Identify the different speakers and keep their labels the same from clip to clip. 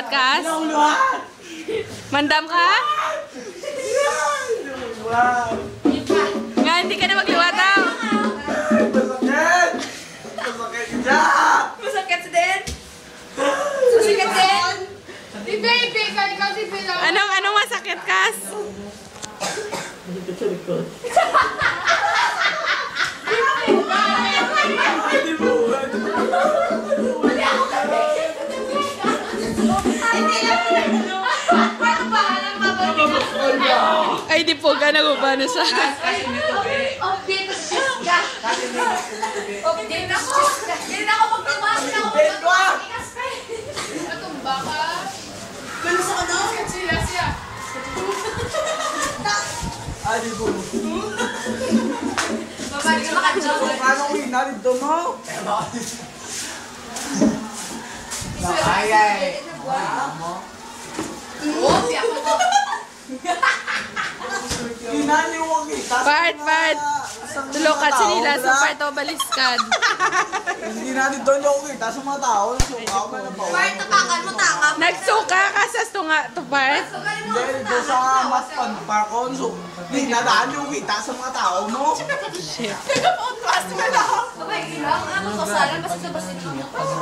Speaker 1: magliwat, Kas? Mandam ka? Nga, hindi ka na magliwat, daw.
Speaker 2: Masakit! Masakit dyan!
Speaker 3: Masakit din? Masakit din? Si baby, ikaw si Pilo.
Speaker 1: Anong masakit, Kas?
Speaker 2: Hindi mo ba?
Speaker 1: Ay, di po ka nagubano siya.
Speaker 3: Update ko si Jessica. Update ako. Hindi na ako magtumasin ako. Matumba ka. Ganun sa ano? Siya.
Speaker 2: Ay, di mo.
Speaker 3: Babalik ka makadyawan.
Speaker 2: Paano ko inalit doon mo? Ay.
Speaker 3: Oo, siya ko to.
Speaker 2: Inaliwag kita.
Speaker 1: Part. Tulukat sa nila, so part o baliskad.
Speaker 2: Hindi natin doon yung kita sa mga tao. Nasukaw ka na pa.
Speaker 3: Bart, tapakan mo takap.
Speaker 1: Nagsuka ka sa to part?
Speaker 2: Hindi, doon sa mas panparkon. So, hindi nadaan yung kita sa mga tao mo.
Speaker 1: Shit.
Speaker 3: Abay, ilang. Ano ko salan? Basta sa basin mo.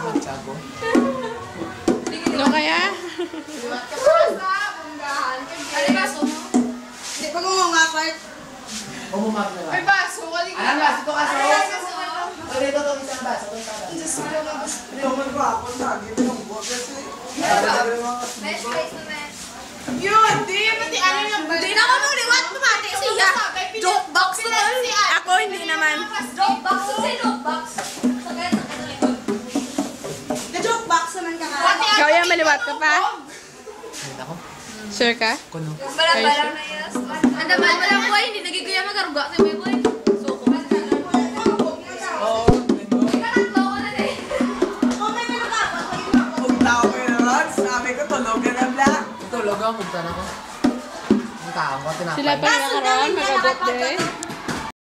Speaker 1: Ano kaya?
Speaker 3: Liwat ka pa sa bunggahan. Ano baso mo? Hindi pa mo nga, Bart.
Speaker 2: Umumak na
Speaker 3: Ay, baso. Kaling
Speaker 4: Alam ba, ito kasi.
Speaker 3: Ay, baso.
Speaker 4: Pwede ito itong isang baso.
Speaker 3: Diyos ko lang ang baso.
Speaker 2: Ito man ba ako na? Gito ng buwag kasi.
Speaker 3: Mesh face na mesh. Yun, di. Pati ano yung balik. Di na ako nung liwat. Tumati siya. Joke box na si Ate.
Speaker 1: Ako, hindi naman.
Speaker 3: Joke box. Sa joke box. Sa kaya sa likod. Na-joke box naman ka nga.
Speaker 1: Ikaw yan, maliwat ka pa? Sure ka?
Speaker 3: Balang-balang na yas. Anda balang boy, hindi nagigaya magaruga sa may boy. Suko.
Speaker 2: Oo.
Speaker 3: Kanatlo ko na eh. Okay na ka.
Speaker 2: Kung tao ko yung runs, sabi ko tulog ka na black.
Speaker 4: Tulog ako, punta na ko. Ang taong ko, tinapay.
Speaker 1: Sila pa yung nakaroon, mag-abot din.